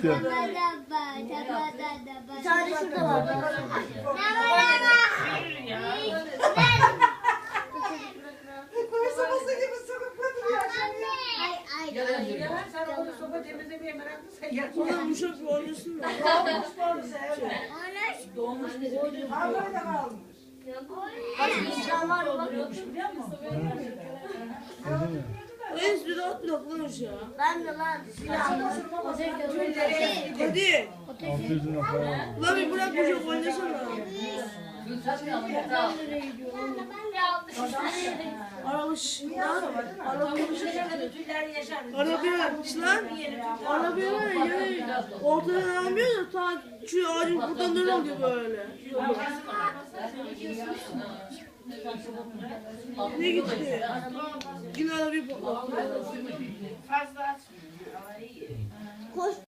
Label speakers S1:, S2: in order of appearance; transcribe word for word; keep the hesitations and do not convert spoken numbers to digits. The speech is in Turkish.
S1: gitti.
S2: Bir tane şurada var.
S3: Koysaması gibi sıkıp götürüyor.
S4: Sen onu sopa temizlemeye meraklısın. Yak.
S5: Ona yumuşak bir oynasın mı?
S4: Doğmuş bizim.
S3: Ha böyle kalmış.
S2: Başka insan var mı?
S4: Biliyor musun?
S5: En bir rahat bir toplamış ya.
S2: Ben de lan.
S5: Hadi.
S1: altı yüz lira para var.
S5: Lan bir bırak bu çok oynasana. Aramış. Lan. Aramış. Arabaya lan. Arabaya var ya yani ortadan almıyor da ta şu ağacın buradan dön oluyor böyle. Ne gitti? Yine arabayı patlattı.
S4: Fazla açmıyor.
S2: Koş.